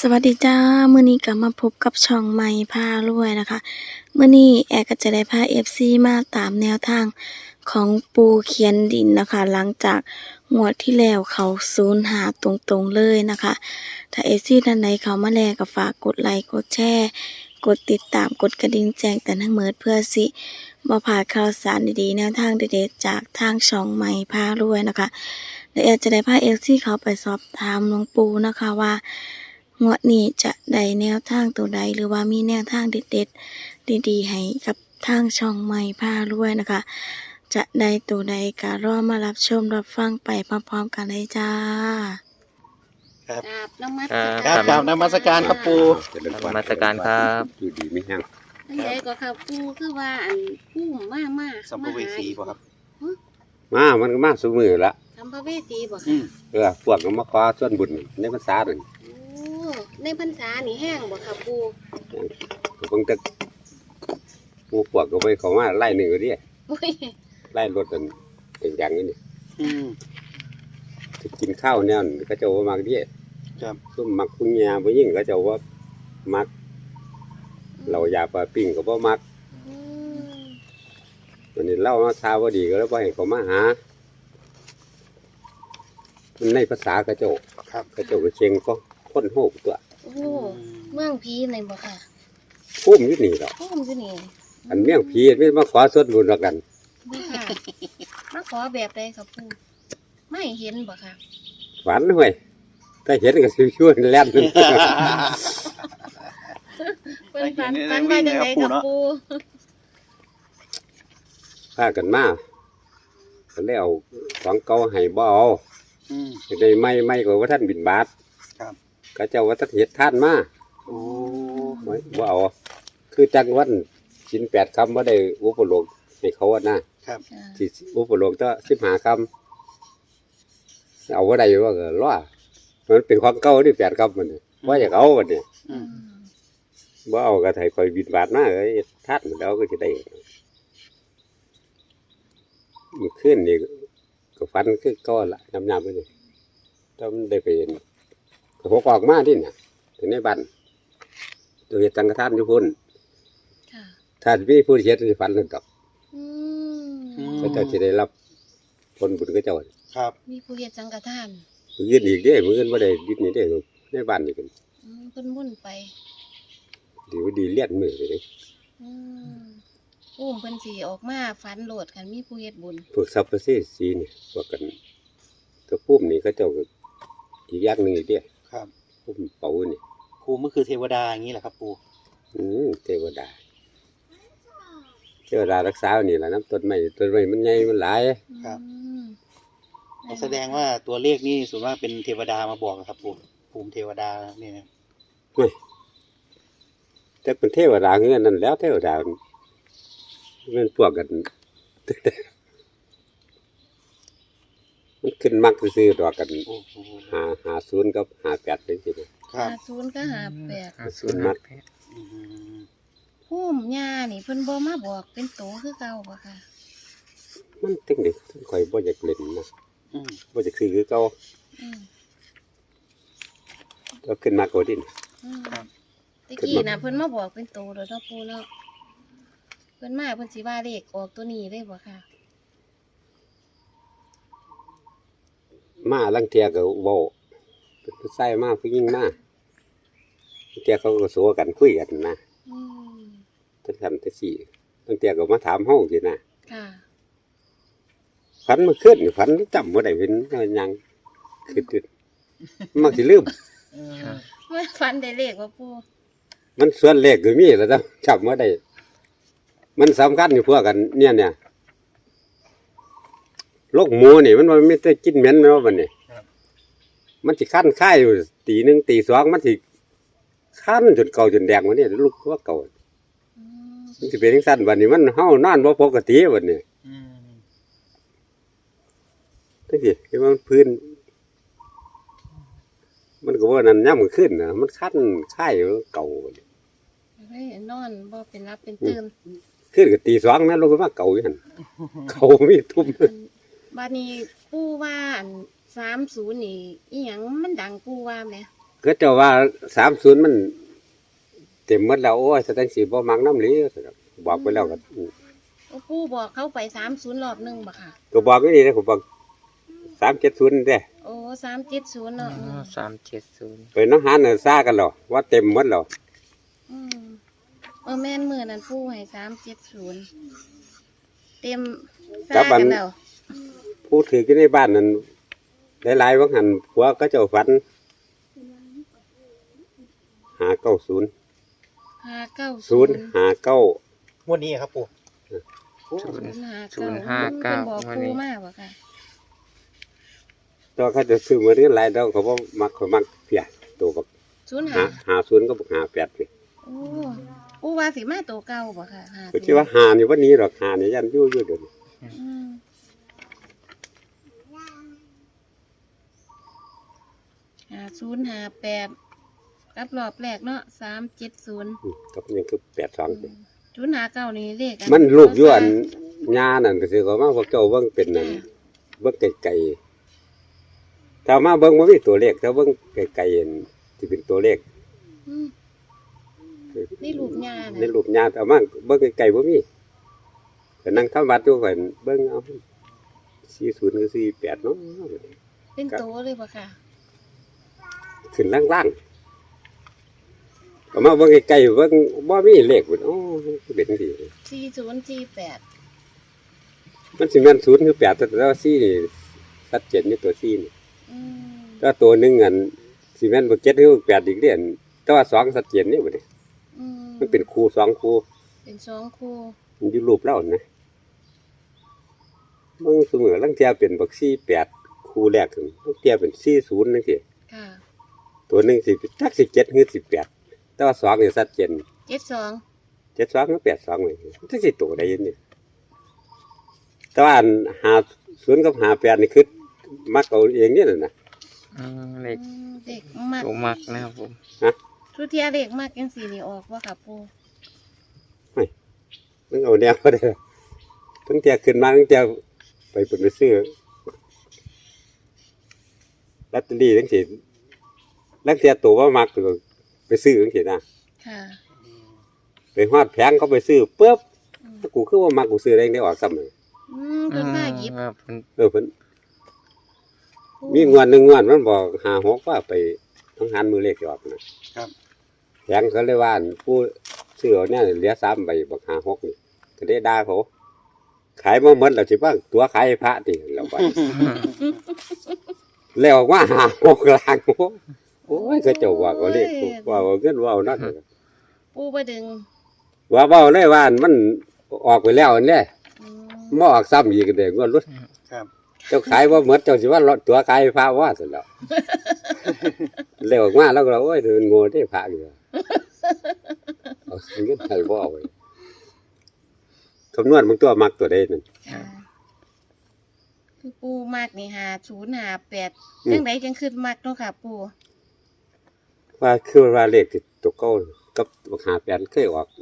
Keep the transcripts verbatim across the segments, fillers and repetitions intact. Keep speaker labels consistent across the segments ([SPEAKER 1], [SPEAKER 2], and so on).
[SPEAKER 1] สวัสดีจ้ามื้อนี้ก็มาพบกับช่องใหม่พารวยนะคะมื้อนี้แอร์ก็จะได้พา เอฟ ซี มาตามแนวทางของปูเขียนดินนะคะหลังจากงวดที่แล้วเขาศูนย์หาตรงๆเลยนะคะถ้า เอฟ ซี ท่านใดเข้ามาแล้วก็ฝากกดไลค์กดแชร์กดติดตามกดกระดิ่งแจ้งเตือนทั้งหมดเพื่อสิบ่พลาดข่าวสารดีๆแนวทางเด็ดๆจากทางช่องใหม่พารวยนะคะและแอร์จะได้พา เอฟ ซี เขาไปสอบถามหลวงปู่นะคะว่างวดนี้จะได้แนวทางตัวใดหรือว่ามีแนวทางเด็ดๆดีๆให้กับทางช่องใหม่พารวยนะคะจะได้ตัวใดก็รอมารับชมรับฟังไปพร้อมๆกันเลยจ้า
[SPEAKER 2] ครับ
[SPEAKER 3] กราบนมัส
[SPEAKER 2] ค
[SPEAKER 3] การ
[SPEAKER 2] รับกราบนมัสการครับปู
[SPEAKER 4] นมัสการครับ
[SPEAKER 5] อยู่ดีไม่แห้ง
[SPEAKER 3] อันใดก็ครับปูคือว่าอันปูมามา
[SPEAKER 2] สัมภเวสีป่ะครับ
[SPEAKER 5] มามันก็มาสมือละ
[SPEAKER 3] สัมภเวสีบ่
[SPEAKER 2] อื
[SPEAKER 3] ค่ะ
[SPEAKER 2] ม
[SPEAKER 5] เออพวกก็มาขอส่วนบุญในภาษาหนึ่ง
[SPEAKER 3] โอ้ในพรรษานี่แห้งบ่ครับปู
[SPEAKER 5] เพิ่งจะหมูพวกก็ไปเขามาไล่หนึ่งก็ดิ
[SPEAKER 3] โอ้ย
[SPEAKER 5] ไล่รถกันเป็นอย่างนี้นี่
[SPEAKER 2] อืม
[SPEAKER 5] จะกินข้าวเนี่ยก็จะว่ามักดิ
[SPEAKER 2] ครับ
[SPEAKER 5] ซุ่มมักพุงยาบ่ยิ่งก็จะว่ามักเราอยาปลาปิ้งก็บ่มัก
[SPEAKER 3] อืม
[SPEAKER 5] วันนี้เล่ามาซาบ่ดีก็แล้วบ่ให้เขามาหามันในภาษากระโจก
[SPEAKER 2] ครับ
[SPEAKER 5] กระโจกกระเชงก็ค้นโหกตัว
[SPEAKER 3] โอ้เมืองผีไหนบ่ค่ะ
[SPEAKER 5] พุ่มอยู่นี่ดอก
[SPEAKER 3] พุ่มอยู่นี่
[SPEAKER 5] อันเมี่ยงผีไม่มาขอส่วนบุญแล้วกัน
[SPEAKER 3] บ่ค่ะมาขอแบบใดครับปูไม่เห็นบ่ค่ะ
[SPEAKER 5] ฝันห้วยถ้าเห็นก็สิช่วยแล่น
[SPEAKER 3] เพิ่นฝันฝันว่าจังไดครับปู
[SPEAKER 5] พากันมาก็เลยเอาของเก่าให้บ่เอา
[SPEAKER 2] อืม
[SPEAKER 5] จะได้ไม่ไม่ก็ว่าท่านบินบาท
[SPEAKER 2] ครับ
[SPEAKER 5] ก็เจ้าว่าท่านเฮ็ดท่านมา
[SPEAKER 2] โอ้
[SPEAKER 5] ไว้บ่เอาคือจังวันชิ้นแปดคำว่าได้อุปโลกให้เขาอะนะครับ
[SPEAKER 3] อ่า
[SPEAKER 5] สิอุปโลกก็สิบห้าคำเอาว่าได้ว่าก็รอมันเป็นของเก่าที่แปดคำมันนี่ว่าอยากเอาวันนี้
[SPEAKER 2] อืม
[SPEAKER 5] บ่เอาก็ให้คอยบินบาทมาเอ้ยท่านมันแล้วก็จะได้มันขึ้นนี่ก็ฟันคือก้อนละยำๆไปนี่ต้องได้ไปเห็นก็หกออกมาที่เนี่ยถึงในบ้านตัวเฮ็ดสังฆทานอยู่พุ่น
[SPEAKER 3] ค่ะ
[SPEAKER 5] ถ้ามีผู้เฮ็ดสิฟันนั่นดอก
[SPEAKER 3] อืม
[SPEAKER 5] ก็เจ้าสิได้รับผลบุญก็เจ้า
[SPEAKER 2] ครับ
[SPEAKER 3] มีผู้เฮ็ดสังฆทาน
[SPEAKER 5] มื้ออื่นอีกเด้มื้ออื่นบ่ได้ดิดนี่เด้ในบ้านนี่กัน
[SPEAKER 3] อืมเพิ่นมุ่นไป
[SPEAKER 5] ดีว่าดีเลี้ยนมือเลยเด้
[SPEAKER 3] อืมอุ้มเพิ่นสิออกมาฝันโหลดกันมีผู้เฮ็ดบุญ
[SPEAKER 5] พวกทรัพย์ประเสริฐสีนี่พวกกันตัวปุ้มนี่เขาเจ้าก็อีกอย่างหนึงอีกเด้
[SPEAKER 2] ครับ
[SPEAKER 5] ปุ้มเป่านี่
[SPEAKER 2] ครูมันคือเทวดาอย่างนี้แหละครับปู
[SPEAKER 5] อืมเทวดาเทวดารักษานี่ล่ะน้ำต้นไม้ต้นไม้มันใหญ่มันหลาย
[SPEAKER 2] ครับ
[SPEAKER 3] อืม
[SPEAKER 2] ก็แสดงว่าตัวเลขนี่ส่วนมากเป็นเทวดามาบอกนะครับปูภูมิเทวดาเนี่ยนะ
[SPEAKER 5] เฮ้ยแต่เป็นเทวดาเงื่อนนั่นแล้วเทวดามันพวกกัน มันขึ้นมักซื้อๆดอกกัน
[SPEAKER 2] โอ้โห
[SPEAKER 5] หาหาศูนย์กับหาแปดเป็นสิ
[SPEAKER 2] ครับ
[SPEAKER 3] ห้าศูนย์ก็ห้าแปด
[SPEAKER 5] ศูนย์มัก
[SPEAKER 2] อืม
[SPEAKER 3] พุ่มหญ้านี่เพิ่นบ่มาบอกเป็นโตคือเก่าบ่ค่ะ
[SPEAKER 5] มันตึงเด็กคอยบ่อยากเล่นนะ
[SPEAKER 2] อืม
[SPEAKER 5] บ่อยากซื้อคือเก่า
[SPEAKER 3] อืม
[SPEAKER 5] ก็ขึ้นมากกว่าดิน
[SPEAKER 3] อืมตะกี้น่ะเพิ่นมาบอกเป็นโตแล้วเนาะปู่เนาะเพิ่นมาเพิ่นสิว่าเลขออกตัวนี้เลยบ่ค่ะ
[SPEAKER 5] มาลังเทียก็เว้าเป็นผู้ชายมาผู้หญิงมาลังเทียเขาก็โซกันคุยกันนะ
[SPEAKER 3] อืม
[SPEAKER 5] ทั้งสามทั้งสี่ลังเทียก็มาถามเฮาสินะ
[SPEAKER 3] ค่ะ
[SPEAKER 5] ฝันมาขึ้นฝันจำบ่ได้เป็นหยังคือมักสิลืม
[SPEAKER 3] ว่าฝันได้เลขบ่ปู่
[SPEAKER 5] มันส่วนเลขก็มีแล้วนะจำบ่ได้มันสำคัญอยู่พวกกันเนี่ยเนี่ยโรคหมูนี่มันบ่มีแต่กินเหม็นแม่นบ่บัดนี้มันสิคันค่ายอยู่ตีหนึ่งตีสองมันสิคันจนเก่าจนแดงวันนี้ลูกว่าเก่า
[SPEAKER 3] อืม
[SPEAKER 5] มันสิเป็นจังซั่นบัดนี้มันเฮานอนบ่ปกติบัดนี้
[SPEAKER 2] อืม
[SPEAKER 5] จังซี่คือมันพื้น มันก็บ่นั่นยามมื้อคืนน่ะมันคันค่ายเก่าบัดนี้
[SPEAKER 3] เฮ้ยนอนบ่เป็นรับเป็นตื่น
[SPEAKER 5] คืนก็ตีสองแม่นลงมาเก่าอยู่หั่นเก่ามีทุ่ม
[SPEAKER 3] บัดนี้ปู่ว่าอันสามสิบนี่อีหยังมันดังปู่ว่าแหม
[SPEAKER 5] ก็เจ้าว่าสามศูนย์มันเต็มหมดแล้วโอ้ยแสดงสีบ่มักน้ำหลีบอกไปแล้วก็
[SPEAKER 3] โอ้ปู่บอกเขาไปสามศูนย์รอบหนึงบ่ค่ะ
[SPEAKER 5] ก็บอกไม่ดีนะผมบอกสามเจ็ดศูนย์เด้
[SPEAKER 3] โอ้สามเจ็ดศูนย์เนาะอืม
[SPEAKER 4] สามเจ็ดศูนย์
[SPEAKER 5] ไปน้องหานน่ะซ่ากันหรอว่าเต็มหมดแล้ว
[SPEAKER 3] อืมเออแม่นมือนั่นปู่ให้สามเจ็ดศูนย์เต็มซ่ากันแล้ว
[SPEAKER 5] ผู้ถือกันในบ้านนั้นหลายๆว่าหันผัวก็เจ้าฝันหาเก้าศูนย์
[SPEAKER 3] ห้าเก้า
[SPEAKER 5] ศูนย์หาเก้าง
[SPEAKER 2] วดนี้ครับปู่
[SPEAKER 4] ศูนย์
[SPEAKER 3] ศูนย์ห้าเก้า
[SPEAKER 4] ศูนย์ห้าเก้า
[SPEAKER 3] เพิ่นบอก
[SPEAKER 4] วันนี้
[SPEAKER 3] ปู่มากบ่ค่ะ
[SPEAKER 5] ตัวเขาจะซื้อมาเรื่อยหลายดอกเขาบอกมักเขามักเพียตัวกับ
[SPEAKER 3] ศูนย์
[SPEAKER 5] หา
[SPEAKER 3] ห้า
[SPEAKER 5] หาศูนย์ก็บอกหาแปดเลย
[SPEAKER 3] โอ้ปู่ว่าสิมาตัวเก่าบ่ค่ะห้า
[SPEAKER 5] ก็คิดว่าหานี่วันนี้หรอกหานี่ยันยู่ยู่เดี๋ยวนี้
[SPEAKER 3] อืมห้าศูนย์ห้าแปดกับรอบแรกเนาะสามเจ็ดศูนย์
[SPEAKER 5] อืมกับยังคือแปดสอง
[SPEAKER 3] ศูนย์ห้าเก้านี่เลขอั
[SPEAKER 5] มันรูปอยวนญานั่นก็คือเขามาพวกเจ้าเบิ่งเป็นนั่น
[SPEAKER 3] จ้ะ
[SPEAKER 5] เบิ่งไกลๆถ้ามาเบิ่งบ่มีตัวเลขถ้าเบิ่งไกลๆเห็นสิเป็นตัวเลข
[SPEAKER 3] อืมนี่รูปยา
[SPEAKER 5] ใน
[SPEAKER 3] น่ะ
[SPEAKER 5] รูปญาแต่มาเบิ่งไกลๆบ่มีก็นั่งทำวัดอยู่ก็เบิ่งเอาสี่สิบคือสี่สิบแปดเนาะ
[SPEAKER 3] เป็นโตเลยบ่ค่ะ
[SPEAKER 5] ขึ้นล่างๆก็มาเบิ่งไกลๆเบิ่งบ่มีเลขพุ่นอ๋อมันเป็นจังซี่
[SPEAKER 3] สี่ศูนย์สี่แปด
[SPEAKER 5] มันสิแม่นศูนย์คือแปดแต่ว่าสี่นี่ชัดเจนอยู่ตัวสี่นี่
[SPEAKER 3] อืม
[SPEAKER 5] ถ้าตัวหนึงอันสิแม่นบ่เจ็ดหรือแปดอีกเด้อนแต่ว่าสองชัดเจนนี่บ่ได้
[SPEAKER 3] อืม
[SPEAKER 5] มันเป็นคู่สองคู่
[SPEAKER 3] เป็นสองคู่
[SPEAKER 5] มันอยู่รูปเรานะบางเสมอลังเทียเป็นบักสี่แปดคู่แรกถึงลังเทียเป็นสี่ศูนย์นั่นสิ
[SPEAKER 3] ค่ะ
[SPEAKER 5] ตัวหนึ่งสิทักสิเจ็ดหรือสิบแปดแต่ว่าสองเนี่ยชัดเจน
[SPEAKER 3] เจ็ดสอง
[SPEAKER 5] เจ็ดสองหรือแปดสองเลยทักสิตัวได้ยินนี่แต่ว่าอันหาศูนย์กับหาแปดนี่คือมักเอาเองนี่แหละนะ
[SPEAKER 4] อืมเลข
[SPEAKER 3] อืมเด็กมาก
[SPEAKER 4] ตัวมักนะครับผม
[SPEAKER 3] ทุเทียเด็กมากยังสี่นี่ออกว่าค่ะปู
[SPEAKER 5] มันเอาแนวก็ได้ตั้งแต่ขึ้นมาตั้งแต่ไปเปิดไปซื้อลอตเตอรี่ตั้งแต่ตั้งแต่ตัวว่ามักตัวไปซื้อตั้งแต่นะ
[SPEAKER 3] ค่ะ
[SPEAKER 5] ไปฮอดแผงเขาไปซื้อปุ๊บ
[SPEAKER 3] อืม
[SPEAKER 5] ถ้ากูคือว่ามักกูซื้อได้ได้ออกซ้ำเลย
[SPEAKER 3] อืมเพิ่นมาหยิบ
[SPEAKER 4] ครับผม
[SPEAKER 5] เออเพิ่นมีงวดหนึ่งงวดมันบอกหาหกว่าไปต้องหันมือเลขออกนะครับ แผงเขาเลยว่าอั่นผู้ซื้อเอาเนี่ยเหลือสามใบบอกหาหกนี่ก็ได้ด่าเขาขายมาหมดแล้วสิบ้างตัวขายให้พระติเราไป แล้วว่าหาหกลางโอ้โอ้ยก็เจ้าว่าก็เลขว่าเอาเงินว่าเอานั่น
[SPEAKER 3] ปูไปดึง
[SPEAKER 5] ว่าเว้าเลยว่าอั่นมันออกไปแล้วอันนี้
[SPEAKER 3] อืม
[SPEAKER 5] มาออกซ้ำอีกเด้งวดรุ่น
[SPEAKER 2] ครับ
[SPEAKER 5] เจ้าขายว่าเหมือนเจ้าสิว่าตัวขายพระว่าสุดแล้วเร็วออกมาแล้วก็โอ้ยเดินโง่ได้พระอยู่เอาเงินไทยบ่เอาไว้คำนวณมึงตัวมักตัวใดนั่น
[SPEAKER 3] ค่ะคือปูมากนี่หาศูนย์หาแปด
[SPEAKER 5] อืม
[SPEAKER 3] จังไดจังขึ้นมากเนาะค่ะ ปู
[SPEAKER 5] ว่าคือว่าเลขที่ตัวเก่ากับบักหาแปดเคยออก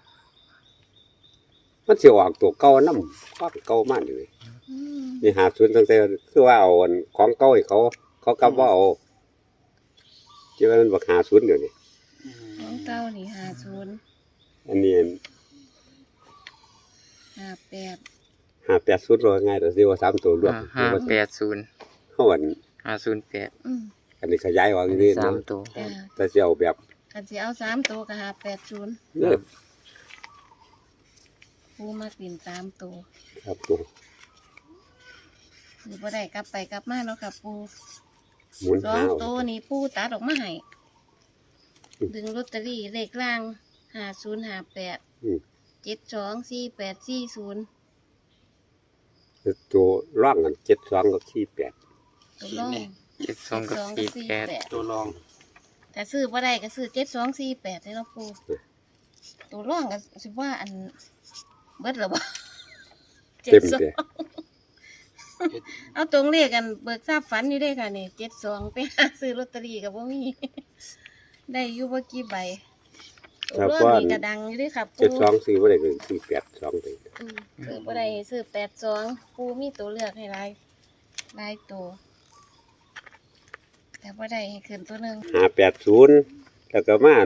[SPEAKER 5] มันสิออกตัวเก่านำความเก่ามากเลย
[SPEAKER 3] อืม
[SPEAKER 5] นี่หาศูนย์ตั้งแต่คือว่าเอาอันของเก่าให้เขา เขากลับว่าเอาที่ว่ามันบักหาศูนย์เดี๋ยวนี้
[SPEAKER 3] ของเก้านี่หาศูนย์
[SPEAKER 5] อันนี้
[SPEAKER 3] หาแปด
[SPEAKER 5] หาแปดศูนย์รอง่ายแต่สิว่าสามตัวรวม
[SPEAKER 4] ห้าแปดศูนย์
[SPEAKER 5] เขาอัน
[SPEAKER 4] ห้าศูนย์แปด
[SPEAKER 3] อืม
[SPEAKER 5] อันนี้ขยายออกอีกนิด
[SPEAKER 4] สา
[SPEAKER 5] นะ
[SPEAKER 4] มตัว
[SPEAKER 3] จ้า
[SPEAKER 5] แต่สิเอาแบบ
[SPEAKER 3] กันสิเอาสามตัวก็หาแปดศูนย์
[SPEAKER 5] เลิก
[SPEAKER 3] ปูมากดินสามตัว
[SPEAKER 5] ครับตัว
[SPEAKER 3] คือบ่ได้กลับไปกลับมาเนาะค่ะ ปู
[SPEAKER 5] หมุน
[SPEAKER 3] สอ
[SPEAKER 5] หาง เอา
[SPEAKER 3] ตัวนี่ปูตัดออกมาให้
[SPEAKER 5] อืม
[SPEAKER 3] ดึงลอตเตอรี่เลขล่างหาศูนย์หาแปด
[SPEAKER 5] อืม
[SPEAKER 3] เจ็ดสองสี่แปดสี่ศูนย์
[SPEAKER 5] ตัวร่างกันเจ็ดสองกับสี่แปด
[SPEAKER 3] ตัวล่อง
[SPEAKER 4] เจ็ดสองกับสี่แปด
[SPEAKER 2] ตัวรอง
[SPEAKER 3] แต่ซื้อบ่ได้ก็ซื้อเจ็ดสองสี่แปดให้เราะปูตัวล่องก็สิว่าอันเบิดหรอบ่
[SPEAKER 5] เต็ม
[SPEAKER 3] สอง
[SPEAKER 5] เดีย
[SPEAKER 3] เอาตรงเลขกันเบิกทราบฝันอยู่ได้ค่ะนี่เจ็ดสองไปหาซื้อลอตเตอรี่กับว่ามี ได้อยู่บ่กี่ใบตัวล่องนี่ก็ดังอยู่เด้วยค่ะปู
[SPEAKER 5] เจ็ดสองสี่ว่าได้คือสี่แปดสองเลย
[SPEAKER 3] อืมซื้อบ่ได้ซื้อแปดสองปูมีตัวเลือกให้หลายหลายตัวแต่แต่บ่ได้ให้ขึ้นตัวหนึง
[SPEAKER 5] ห้าแปดศูนย์แล้วก็มา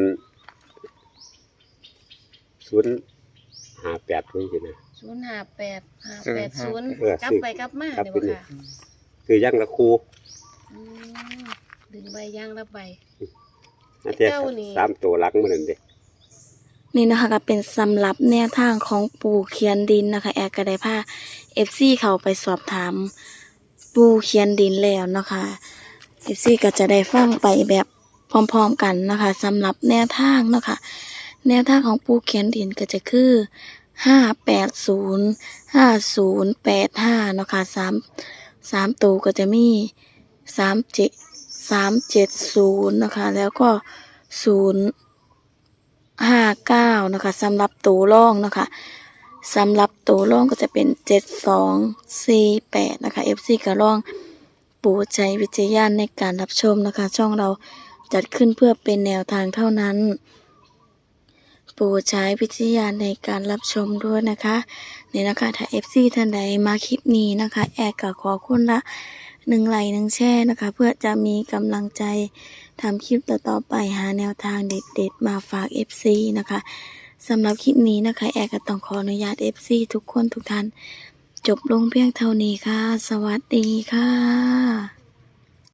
[SPEAKER 5] ศูนย์ห้าแปดนี่สินะ
[SPEAKER 3] ศูนย์ห้าแปด ห้าแปดศูนย์
[SPEAKER 5] เออก
[SPEAKER 3] ลับ
[SPEAKER 5] ซื้อ
[SPEAKER 3] ไปกลับมา
[SPEAKER 5] ครับ
[SPEAKER 3] เดี๋ยวบ่ค่ะ
[SPEAKER 5] คือยังละครู
[SPEAKER 3] อืมดึงใบย่างละใบ
[SPEAKER 5] น่าจะ
[SPEAKER 3] เจ้านี่
[SPEAKER 5] สามตัวหลังมันนั่นเด้
[SPEAKER 1] นี่นะคะก็เป็นสำหรับแนวทางของปู่เขียนดินนะคะ แอร์ก็ได้พา เอฟ ซี เขาไปสอบถามปู่เขียนดินแล้วนะคะ เอฟ ซี ก็จะได้ฟังไปแบบพร้อมๆกันนะคะสำหรับแนวทางเนาะคะแนวทางของปู่เขียนดินก็จะคือห้าแปดศูนย์ห้าศูนย์แปดห้าเนาะคะสามสามตัวก็จะมีสามเจ็ดสามเจ็ดศูนย์นะคะ แล้วก็ศูนย์ห้าเก้านะคะสำหรับตัวร่องนะคะสำหรับตัวร่องก็จะเป็นเจ็ดสองสี่แปดนะคะ เอฟ ซี ก็ร่องโปรดใช้วิจารณญาณในการรับชมนะคะ ช่องเราจัดขึ้นเพื่อเป็นแนวทางเท่านั้นโปรดใช้วิจารณญาณในการรับชมด้วยนะคะนี่นะคะถ้า เอฟ ซี ท่านใดมาคลิปนี้นะคะ แอร์ก็ขอคุณละหนึ่งไลค์หนึ่งแชร์นะคะ เพื่อจะมีกำลังใจทำคลิปต่อๆไปหาแนวทางเด็ดๆมาฝาก เอฟ ซี นะคะสำหรับคลิปนี้นะคะ แอร์ก็ต้องขออนุญาต เอฟ ซี ทุกคนทุกท่านจบลงเพียงเท่านี้ค่ะ สวัสดีค่ะ